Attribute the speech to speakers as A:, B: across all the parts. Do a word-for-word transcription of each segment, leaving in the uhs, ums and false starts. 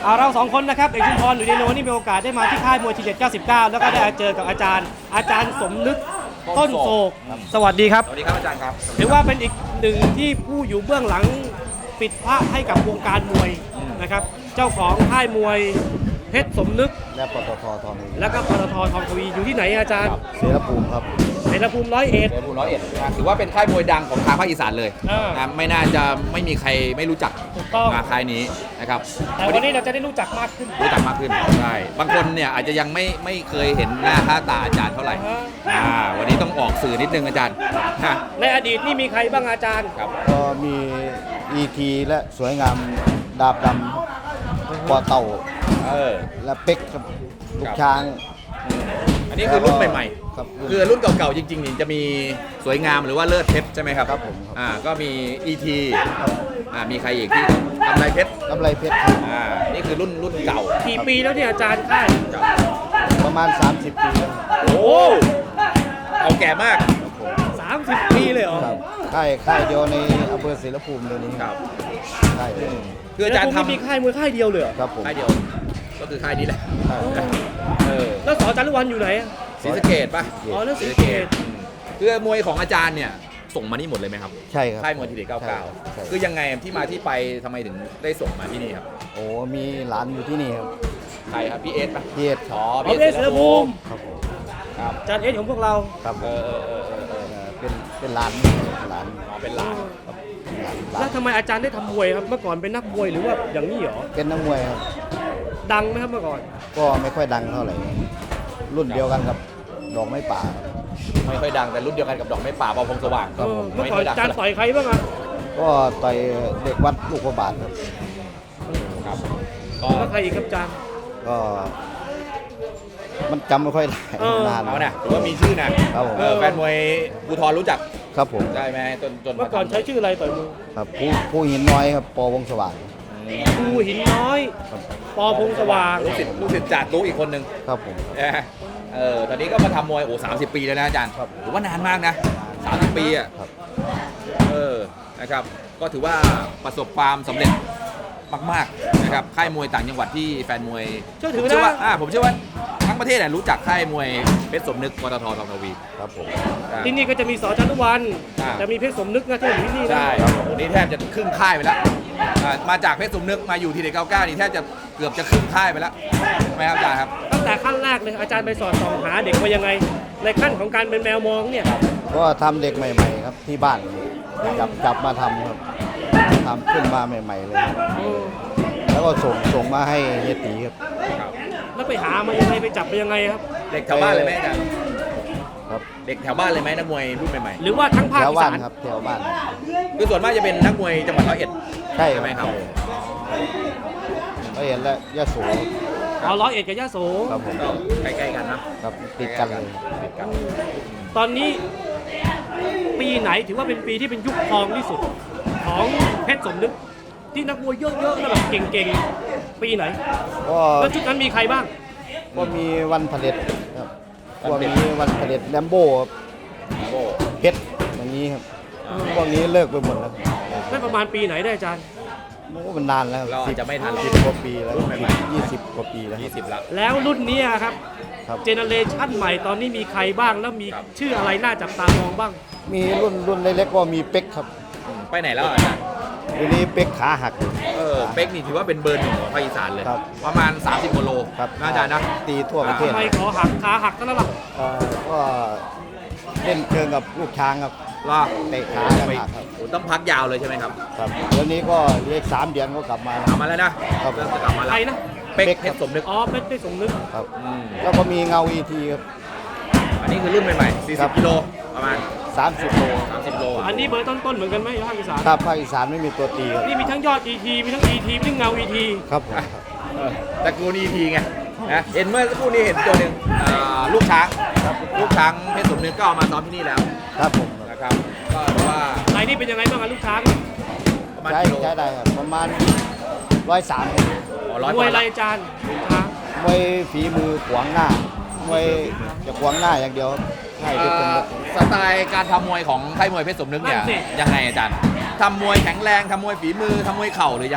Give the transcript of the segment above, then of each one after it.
A: อ่าเราสองคนนะครับเอกชุมพรหรือเดโนนี่มีโอกาสได้มาที่ค่ายมวยทีเด็ดเก้าสิบเก้าแล้วก็ได้เจอกับอาจารย์ อาจารย์สมนึกต้นโศกสวัสดีครับ
B: สวัสดีครับอาจารย์ครับ
A: ถือว่าเป็นอีกหนึ่งที่ผู้อยู่เบื้องหลังปิดพระให้กับวงการมวยนะครับเจ้าของค่ายมวยเพชรสมนึก
C: และปตททอง
A: แล้วก็ปตททองทวีอยู่ที่ไหนอาจารย์
C: เสรภูมิครับ
A: เสรภูมิร้อยเอ็ด
B: เดชภูมิร้อยเอ็ดนะถือว่าเป็นค่ายมวยดังของทางภาคอีสานเลย
A: อ่าน
B: นะไม่น่าจะไม่มีใครไม่รู้จัก
A: ถูกต้อง
B: มาค่ายนี้นะครับ
A: แต่วันนี้เราจะได้รู้จักมากขึ้น
B: รู้จักมากขึ้นใช่บางคนเนี่ยอาจจะยังไม่ไม่เคยเห็นหน้าค่าตาอาจารย์เท่าไหร่
A: อ่าฮะ
B: อ่าวันนี้ต้องออกสื่อนิดนึงอาจารย์ฮะ
A: ในอดีตนี่มีใครบ้างอาจารย์
B: ครับ
C: ก็มี อี ที และสวยงามดาบดำปอเต่า
B: เออ
C: และเป็กครับลูกช้าง
B: อันนี้คือรุ่นใหม่
C: ครับ
B: ๆ คือรุ่นเก่าๆจริงๆนี่จะมีสวยงามหรือว่าเลิศเพชรใช่ไหมครับ
C: ครับผมครับ
B: อ่าก็มี อี ที
C: ครับ
B: อ่ามีใครอีกที่ทำลายเพชร
C: กำไรเพชรครับ
B: อ่านี่คือรุ่นรุ่นเก่า
A: กี่ปีแล้วเนี่ยอาจารย์ค่าย
B: ครับ
C: ประมาณ สามสิบ ปีแล้ว
B: โอ้เก่าแก่มาก
A: สามสิบปีเลยเหรอ
C: ครับค่ายค่ายเดียวในอำเภอเสรภูมิเดี๋ยวนี้
B: ครับ
C: ค่ายเดียว
B: คืออาจารย์
A: แล้วผมมี
B: ทำ
A: ค่ายมวยค่ายเดียวเลยเหรอ
C: ครับผม
B: ค่ายเดียว ก็คือค่ายนี้แหละ
C: ค่าย
B: เออ
A: แล้วสอจารุวันอยู่ไหนอะ
B: ศรีสะเกดป่ะ
A: อ๋อแล้วศ
B: ศรี
A: รี
B: สะ
A: สะ
B: เก
A: เก
B: ด
A: ษ
B: คือมวยของอาจารย์เนี่ยส่งมานี่หมดเลยไหมครับ
C: ใช่ครับ
B: ค่ายมวยทีเด็ดเก้าเก้า
C: ใช่
B: คือยังไงที่มาที่ไปทำไมถึงได้ส่งมาที่นี่ครับ
C: โอ้มีหลานอยู่ที่นี่ครับ
B: ใครครับพี่เอสป่ะ
C: พี่เอสค
B: อ๋
C: รั
B: อบ
A: อ๋อเอสเสือภูมิ
C: ครับผม
B: ครับ
A: อาจารย์เอสของพวกเรา
C: ครับผ
B: เอ
C: ม
B: อเออเออเออเออ
C: เอ่อเป็นเป็นหลานหลาน
B: อ๋อเป็นหลาน
C: ครับหลานหลา
A: แล้ว
C: น
A: ทำไมอาจารย์ได้ทำมวยครับ เมื่อก่อนเป็นนักมวยหรือว่าอย่างนี้เหรอ
C: เป็นนักมวยครับ
A: ดังไหมครับเมื่อก่อน
C: ก็ไม่ค่อยดังเท่าไหร่ รุ่นเดียวกันกับดอกไม้ป่าครับ
B: ไม่ค่อยดังแต่รุ่นเดียวกันกับดอกไม้ป่าเบาพงสว่าง
A: เออเมื่อ
B: ไม่
A: ก่อ
B: ค่อน ยดัง
A: อาจารย์ต่อยใครบ้างอะ
C: ก็ต่อยเด็กวัดลูกพระบาทครับ
B: ครับก็
A: แล้วใครอีกครับอาจารย์
C: ก็มันจำไม่ค่อยได้
A: เออ
C: นาน
B: เอาเนี่ยถือว่ามีชื่อนะครับ
C: ผม
B: เออแฟนมวยภูทรรู้จัก
C: ครับผม
B: ได้ไหมจนจน
A: เมื่อก่อนใช้ชื่ออะไรต่อยมวย
C: ครับผู้ผู้หินน้อยครับปอวงสว่าง
A: ครูหินน้อย
C: ครับ
A: ปอพงสว่าง
B: ลูกศิษย์ลูกศิษย์จ่าตู้อีกคนหนึ่ง
C: ครับผม
B: นะเออตอนนี้ก็มาทำมวยโอ้สามสิบปีแล้วนะอาจารย์
C: ครับ
B: ถือว่านานมากนะสามสิบปีอ่ะ
C: ครับ
B: เออนะครับก็ถือว่าประสบความสำเร็จมากๆนะครับค่ายมวยต่างจังหวัดที่แฟนมวย
A: เชื่อถื
B: ผ
A: อ
B: มเชื่อว่า
A: นะ
B: อ่าผมเชื่อว่าทั้งประเทศเนี่ยรู้จักค่ายมวยเพชรสมนึกปตททองทวี
C: ครับผม
B: อ่า
A: ที่นี่ก็จะมีสอจารุวัน
B: อ่า
A: จะมีเพชรสมนึกนะที่อยู่ที่นี่นะ
B: ใช่โอ้นี่แทบจะครึ่งค่ายไปแล้วอ่ามาจากเพชรสมนึกมาอยู่ทีเด็ดเก้าเก้านี่แทบจะเกือบจะครึ่งค่ายไปแล้วใช่ไหมครับอาจารย์ครับ
A: ตั้งแต่ขั้นแรกเลยอาจารย์ไปสอนส่องหาเด็กว่ายังไง ในขั้นของการเป็นแมวมองเนี่ย
C: ก็ทำเด็กใหม่ๆครับที่บ้านจับจับมาทำครับทำขึ้นมาใหม่ๆเลยครับ
A: เออ
C: แล้วก็ส่งส่งมาให้เฮียตีครับ
A: แล้วไปหามายังไงไปจับไปยังไงครับ
B: เด็กแถวบ้านเลยไหมอาจารย์
C: ครับ
B: เด็กแถวบ้านเลยไหมนักมวยรุ่นใหม่
A: หรือว่าทั้งภาค
C: แถว
A: อี
C: บ้า
A: สาน น
C: ครับแถวบ้าน
B: ๆคือส่วนมากจะเป็นนักมวยจังหวัดร้อยเอ็ด
C: ใช่
B: ใช่ไหมครับ
C: ก็เห็นแล้วยะโส
A: เอาร้อยเอ็ดกับยะโส
C: ครับผม
B: ก็ใกล้ๆกันนะครับ
C: ติดกันเลย
B: ติดกัน
A: ตอนนี้ปีไหนถือว่าเป็นปีที่เป็นยุคทองที่สุด ของเพชรสมนึกที่นักมวยเยอะๆแล้วแบบเก่งๆ ปีไหน
C: ก็
A: แล้วชุดนั้นมีใครบ้าง
C: ก็มีวันผลิตครับพวกนี้วันผลิตแลมโบ้ครับ
B: โอ้
C: เพชรอย่างนี้ครับพวกนี้เลิกไปหมดแล้ว
A: ได้ประมาณปีไหนได้อาจารย์
C: โอ้มันนานแล้ว
B: เราอาจจะไม่ทัน
C: สิบกว่าปีแล้ว
B: รุ่นใหม่
C: ยี่สิบกว่าปีแล้ว
B: ยี่สิบละ
A: แล้วรุ่นเนี้ยครับ
C: ครับ
A: เจเนเรชันใหม่ตอนนี้มีใครบ้างแล้วมี
B: ครับ
A: ชื่ออะไรน่าจับตามองบ้าง
C: มีรุ่นรุ่นเล็กๆก็มีเป็กครับ
B: ไปไหนแล้วอาจารย์
C: ทีนี้เป็กขาหักอยู่
B: เออเป๊กนี่ถือว่าเป็นเบอร์หนึ่งของภาคอีสานเลย
C: ครับ
B: ประมาณสามสิบกิโล
C: ครับ
B: น่าอาจารย์นะ
C: ตีทั่วประเทศ
A: ทำไมขอหักขาหักเท่านั้นล่ะ
C: เอ่อก็เล่นเชิงกับลูกช้างครับ
B: ล่ะ
C: เตะขากันหักครับ
B: โอ้ต้องพักยาวเลยใช่ไหมครับ
C: ครับเดี๋ยวนี้ก็เรียกสามเดือนก็กลับมา
B: กลับมาแล้วนะครับ เริ่มจะกลับมา
A: ใค
B: แล้ว
A: รนะ
B: เป๊ก
C: เป๊ก
B: เพ
C: ครั
B: ช
C: บ
B: รสมนึก
A: อ๋อเพชรได้สมนึก
C: ครับ
B: อืม
C: แล้วก็มีเงาอีทีครับ
B: อันนี้คือรุ่นใหม่ๆ
C: ครั
B: สี่สิบ
C: บ
B: กิโลประมาณ
C: สามสิบโล
B: สามสิบโล
A: อันนี้เบอร์ต้นๆเหมือนกันไหมภาคอีสาน
C: ถ้าภาคอีสานไม่มีตัวตีครับ
A: นี่มีทั้งยอด อี ที มีทั้ง อี ที มีทั้งเงา อี ที
C: ครับผมครับ
B: เออตระกูลอีทีไงนะเห็นเมื่อสักครู่นี้เห็นตัวหนึ่งอ่าลูกช้างลูกช้างเพชรสมนึกก็เอามาซ้อมที่นี่แล้ว
C: ครับผม
B: นะครับก็ถือว่า
A: รายนี้เป็นยังไงบ้างอะลูกช้าง
B: ประมาณ
C: ใช้
B: กิโล
C: ใช้ได้ครับประมาณร้อยสาม
B: อ๋อร้อย
A: ม
B: ก
A: วย
B: ว่า
A: ไรายจานลูกช้าง
C: มวยฝีมือขวางหน้ามวยจะขวางหน้าอย่างเดียวครับใช่ที่เป็น
B: เอ่อสไตล์การทำมวยของค่ายมวยเพชรสมนึกเนี่ย
A: นั่นสิ
B: ยังไงอาจารย์ทำมวยแข็งแรงทำมวยฝีมือทำมวยเข่าหรือยังไง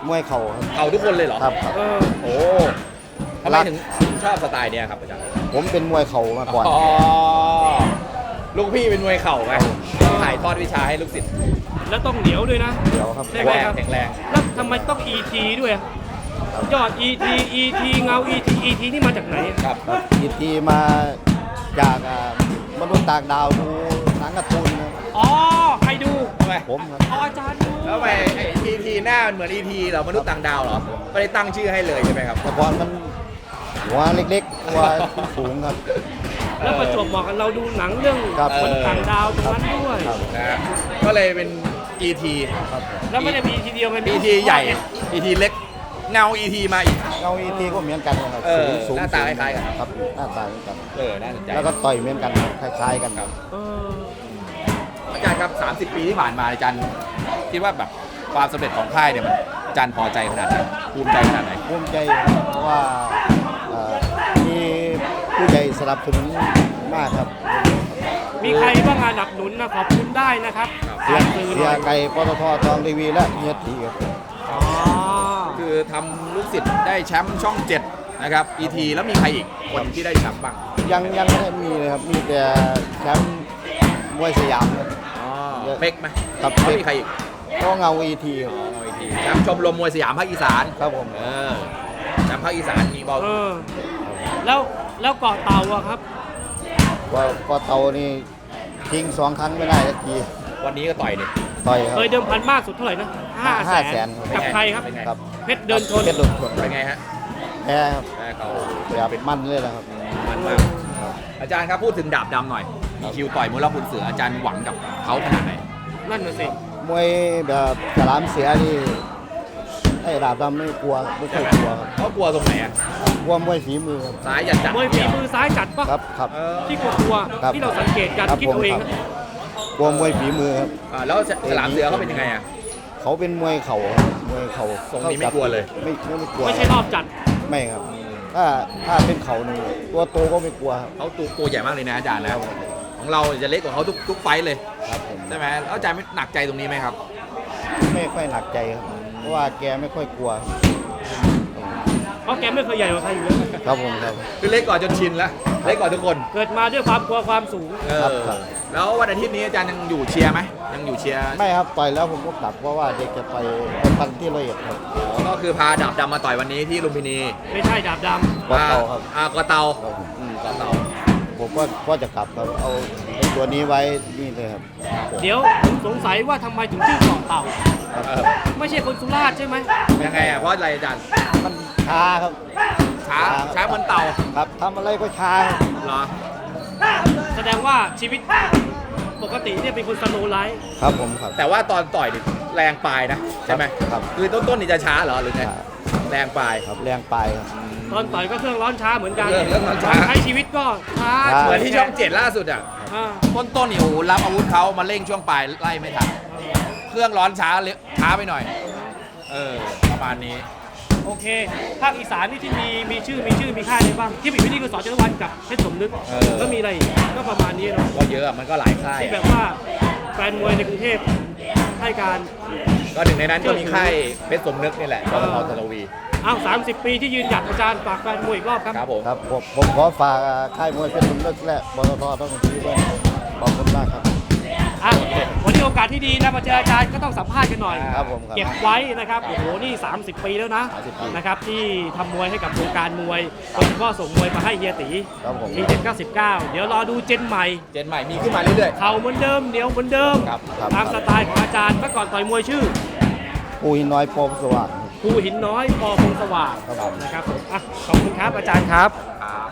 C: มวยเข่าครับ
B: เข่าทุกคนเลยเหรอ
C: ครับครับ
A: เออ
B: โอ้ทำไมถึงชอบสไตล์เนี้ยครับอาจารย์
C: ผมเป็นมวยเข่ามาก่อน
B: อ๋อลูกพี่เป็นมวยเข่าไงถ่ายทอดวิชาให้ลูกศิษย์
A: แล้วต้องเหนียวด้วยนะ
C: เดี๋ยวครับ
A: ใช่ไหม
B: แข็ง
A: ครับ
B: แข็งแรง
A: แล้วทำไมต้อง อี ที ด้วยอะยอด อี ที อี ที เงา อี ที อี ที นี่มาจากไหนอะ
B: ครับ
C: ครับอีทีมาจากอ่ามนุษย์ต่างดาวดูหนังการ์ตูนนะ
A: อ๋อใครดู
B: ทำไม
C: ผมครับ
A: อ๋ออาจารย์ดู
B: แล้วทำไมไอ้อีทีหน้ามันเหมือนอีทีเหรอมนุษย์ต่างดาวเหรอไม่ได้ตั้งชื่อให้เลยใช่ไหมครับ
C: แต่ก่อนมันหัวเล็กๆหัวสูงครับ
A: แล้วประจวบเหมาะกันเราดูหนังเรื่อง
C: ครับ
A: คนต่างดาวตรงนั้นด้วย
C: ครับ
B: นะฮะก็เลยเป็น อี ที
C: ครับ
A: แล้วไม่ได้มีทีเดียวมันมี
B: อี ที ใหญ่ อี ที เล็ก เงา อี ที มาอีก
C: เงาอีทีก็เหมือนกันนะครับ
B: เออ
C: สูง
B: หน้าตาคล้ายๆกัน
C: ครับหน้าตาเหมือนกัน
B: เออ น่าสนใจ
C: แล้วก็ต่อยเหมือนกันคล้ายๆกันครับ
A: เออ
B: อาจารย์ครับ สามสิบ ปีที่ผ่านมาอาจารย์คิดว่าแบบความสำเร็จของค่ายเนี่ยมันอาจารย์พอใจขนาดไหนภูมิใจขนาดไหน
C: ภูมิใจเพราะว่าเอ่อมีผู้ใหญ่สนับสนุนมากครับ
A: มีใครบ้างอ่ะหนับหนุนนะขอบคุณได้นะครับ
C: เสีย
A: ผ่านสื่อห
C: เสี
A: น่
C: ย
A: อย
C: ไก่ปตททองทีวีและเฮียตีครับ
A: อ๋อ
B: คือทำลูกศิษย์ได้แชมป์ช่องเจ็ดนะครับ อี ที แล้วมีใครอีกคนที่ได้แชมป์บ้าง
C: ยังยังไม่ได้มีเลยครับ มีแต่แชมป์มวยสยามครับ
B: อ๋อเป๊กไหม
C: ครับ
B: แล้ว
C: เป๊ก
B: มีใครอีก
C: ก็เงาอีทีครับ
B: อ๋อ อี ที แชมป์ชมรมมวยสยามภาคอีสาน
C: ครับผม
B: เออแชมป์ภาคอีสานมีบอล
A: เออแล้วแล้วเกาะเต่าอะครับ
C: ว่าก็เตานี่ทิ้งสองครั้งไม่ได้สักที
B: วันนี้ก็ต่อยดิ
C: ต่อยครับ
A: เคยเดิมพันมากสุดเท่าไหร่นะห้า
C: ห้า
A: แส
C: แส
A: น
C: น
A: กับใครครับ
B: เป็นไง
C: ครับ
A: เพชรเดินชน
C: เพชรโดนชน
B: เป็นไงฮะ
C: แพ้ครับ
B: แพ้เขา
C: แบบมันเลยนะครับ
B: มันมาก อาจารย์ครับพูดถึงดาบดำหน่อย มีคิวต่อยมวยรอบคุณเสืออาจารย์หวังกับเขาขนาดไหน
A: นั่นน่ะสิ
C: มวยแบบฉลามเสียนี่ไอ้ดาบดำไม่กลัวไม่เคยกลัวครับ
B: เขากลัวตรงไหนอ่ะ
C: กลัวมวยฝีมือครับ
B: ซ้ายยันจัด
A: มวยฝีมือซ้ายจัดปะ
C: ครับครับ
B: เออ
A: ที่กลัว
C: ครับ
A: ๆที่เราสังเกตกัน
C: ครับ
A: คิดเอาเอง
C: ผม
A: นะครับ
C: กลัวมวยฝีมือครับ
B: อ่าแล้วฉลามเสือเขาเป็นยังไงอ่ะ
C: เขาเป็นมวยเข่าครับมวยเข่า
B: ทรงนี้ไม่กลัวเลย
C: ไม่ไม่ไม่กลัว
A: ไม่ใช่รอบจัด
C: ไม่ครับ ถ้าถ้าเป็นเข่านี่ตัวโตก็ไม่กลัวครับ
B: เขาตัวตัวใหญ่มากเลยนะอาจารย์นะของเราจะเล็กกว่าเขาทุกทุกไฟต์เลย
C: ครับผม
B: ใช่ไหมแล้วอาจารย์ไม่หนักใจตรงนี้ไหมครับ
C: ไม่ค่อยหนักใจครับเพราะว่าแกไม่ค่อยกลัว
A: เพราะแกไม่เคยใหญ่กว่าใครอยู่แล้ว
C: ครับผมครับ
B: คือเล็กกว่าจนชินแล้วเล็กกว่าทุกคน
A: เกิดมาด้วยความกลัวความสูง
B: เอ
C: ครับ
B: อ
C: ครับ
B: แล้ววันอาทิตย์นี้อาจารย์ยังอยู่เชียร์ไหมยังอยู่เชียร์
C: ไม่ครับต่อยแล้วผมก็กลับเพราะว่าเด็กจะไปเป็นพันที่ละเอียดครับ
B: อ๋อก็คือพาดาบดำมาต่อยวันนี้ที่ลุมพินี
A: ไม่ใช่ดาบด
C: ก็เตาครับ
B: อ่ากอเตา
C: ครับผม
B: อืมกอเตา
C: ผมก็ก็จะกลับครับเอาไอ้ตัวนี้ไว้นี่เลยครับ
A: ำเดี๋ยวผมสงสัยว่าทำไมถึงชื่อเกาะเต่า
B: เออ
A: ไม่ใช่คนสุราษฎร์ใช่ไหม
B: ยังไงอ่ะเพราะอะไรอาจารย์
C: มันช้าครับ
B: ช้าช้าเหมือนเต่า
C: ครับทำอะไรก็ช้าครับ
B: เหรอ
A: แสดงว่าชีวิตปกติเนี่ยเป็นคนสโลว์ไลฟ์
C: ครับผมครับ
B: แต่ว่าตอนต่อยนี่แรงปลายนะใช่ไหม
C: ครับ
B: คือต้นต้นๆนี่จะช้าเหรอหรือไง
C: ช้า
B: แรงปลาย
C: ครับแรงไปครับ
A: ตอนต่อยก็เครื่องร้อนช้าเหมือนกัน
B: เครื่องเครื่องร้อนช้า
A: ใช้ชีวิวิตก็ช้า
C: ช้า
B: เหมือนที่ช่องเจ็ดล่าสุดอ่ะ
A: อ่า
B: ต้นต้นๆนี่โอ้โหรับอาวุธเขามาเร่งช่วงปลายไล่ไม่ทันเครื่องร้อนช้าเร็วช้าไปหน่อย เออประมาณนี้
A: โอเค ภาคอีสานนี่ที่มีมีชื่อมีชื่อมีค่ายอะไรบ้าง ที่มีวิธีคือสอนเจริญวันกับเพชรสมนึก
B: เออ
A: ก็มีอะไรอีกก็ประมาณนี้เนาะ
B: ก็เยอะอะมันก็หลายค่าย
A: ที่แบ
B: อะ
A: บว่าแฟนมวยในกรุงเทพให้การ
B: ก็หนึ่งในนั้นก็มีค่ายเพชรสมนึกนี่แหละก
A: เอ
B: ท
A: อ
B: มทรวี
A: อ้าวสามสิบปีที่ยืนหยัดอาจารย์ฝากแฟนมวยอีกรอบครับ
B: ครับผม
C: ครับผมผมขอฝากค่ายมวยเพชรสมนึกและบตทต้องทีด้วยนะครับขอบคุณมากครับ
A: อ่ะวันนี้โอกาสที่ดีนะมาเจออาจารย์ก็ต้องสัมภาษณ์กันหน่อย
C: ครับผมครับ
A: เก็บไว้นะครับ โอ้โห นี่ สามสิบ ปีแล้วนะ
C: สามสิบปี
A: นะครับ ที่ทำมวยให้กับวงการมวยโดยเฉพาะส่งมวยมาให้เฮียตี
C: ครับผม
A: ทีเจ็ดเก้าสิบเก้าเดี๋ยวรอดูเจนใหม่
B: เจนใหม่มีขึ้นมาเรื่อย
A: เข่าเหมือนเดิมเหนียวเหมือนเดิม
B: ครับ
C: ครับ
A: ตามสไตล์ของอาจารย์เมื่อก่อนต่อยมวยชื่อ
C: ปูหินน้อยโปมสว่าง
A: ภูหินน้อยปอพงสว่าง
C: ครับผม
A: นะครับผมอ่ะขอบคุณครับอาจารย์ครับ
B: ๆครับ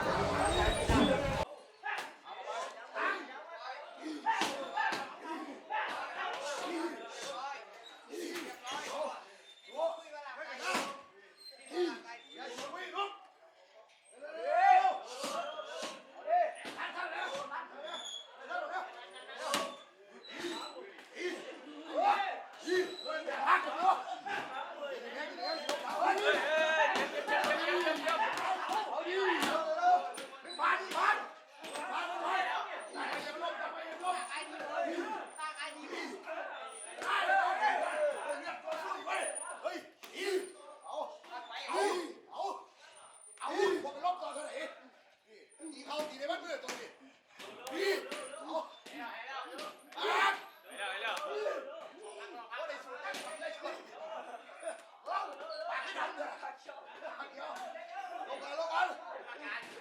B: การ